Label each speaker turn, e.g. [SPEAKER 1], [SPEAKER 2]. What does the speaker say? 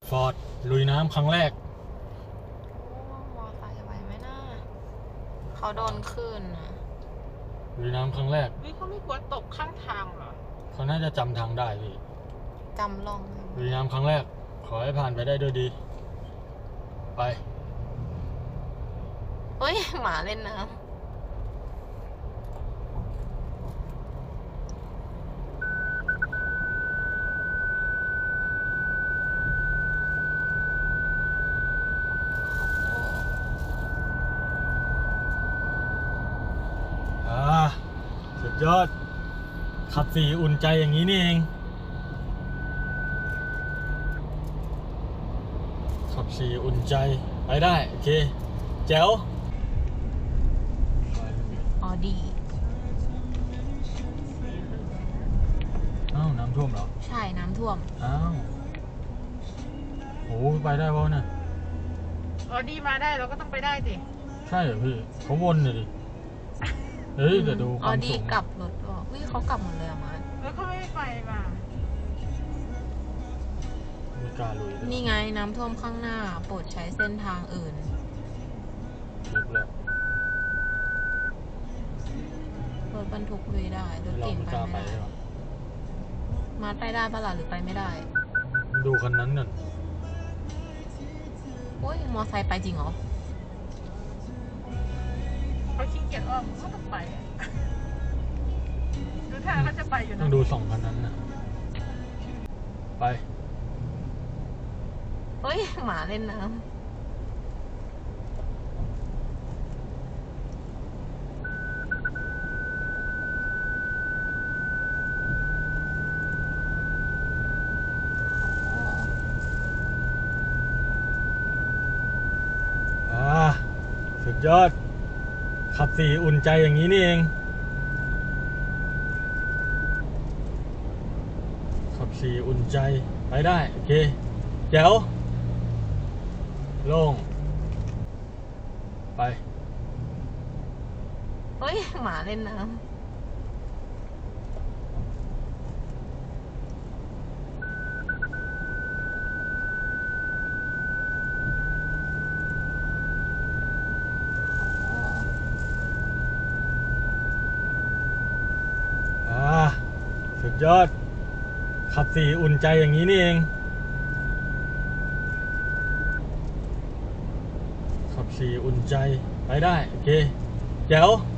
[SPEAKER 1] ฟอร์ดลุยน้ำครั้งแรก
[SPEAKER 2] มอไซค์ไหวไหมน่าเขาโดนคลื่นนะ
[SPEAKER 1] ลุยน้ำครั้งแรก
[SPEAKER 3] เขาไม่กลัวตกข้างทางเหรอ
[SPEAKER 1] เขาน่าจะจำทางได้พี่
[SPEAKER 2] จำลอง
[SPEAKER 1] ลุยน้ำครั้งแรกขอให้ผ่านไปได้ด้วยดีไป
[SPEAKER 2] เฮ้ยหมาเล่นน้ำ
[SPEAKER 1] สุดยอดขับสี่อุ่นใจอย่างนี้นี่เองขับสี่อุ่นใจไปได้โอเคแจ๋ว
[SPEAKER 2] ออดี
[SPEAKER 1] อ้าวน้ำท่วมเหรอ
[SPEAKER 2] ใช่น้ำท่วม
[SPEAKER 1] อ้าวโอ้ไปได้ป่ะเนี่ย
[SPEAKER 3] ออดีมาได้เราก็ต้องไปได้สิ
[SPEAKER 1] ใช่เหรอพี่เขาวนเลยดิเฮ้ยเดี๋ยวดู
[SPEAKER 2] ออดีกลับรถบอกวิเขากลับหมดเลยอะมา
[SPEAKER 3] แล้วเขาไม่ไปมา
[SPEAKER 1] ไม่กล้าลุย
[SPEAKER 2] นี่ไงน้ำท่วมข้างหน้าโปรดใช้เส้นทางอื่น
[SPEAKER 1] ลึกแล้ว
[SPEAKER 2] รถบรรทุกลุยได้รถเก่งไปไม่ได้มาไปได้ปะล่ะหรือไปไม่ได้
[SPEAKER 1] ดูคันนั้นน่ะ
[SPEAKER 2] โอ้ยมอไซค์ไปจริงเหรอ
[SPEAKER 3] เขาขี้เกียจอ้อมเขาต้องไปดูท่าเขาจะไปอยู่นะ
[SPEAKER 1] ต้องดูสองคันนั้นนะไป
[SPEAKER 2] เฮ้ยหมาเล่นน้ำ
[SPEAKER 1] สุดยอดขับสี่อุ่นใจอย่างนี้นี่เองขับสี่อุ่นใจไปได้โอเคแจ๋วโล่งไป
[SPEAKER 2] เฮ้ยหมาเล่นน้ำ
[SPEAKER 1] สุดยอดขับสี่อุ่นใจอย่างนี้นี่เองขับสี่อุ่นใจไปได้โอเคแจ๋ว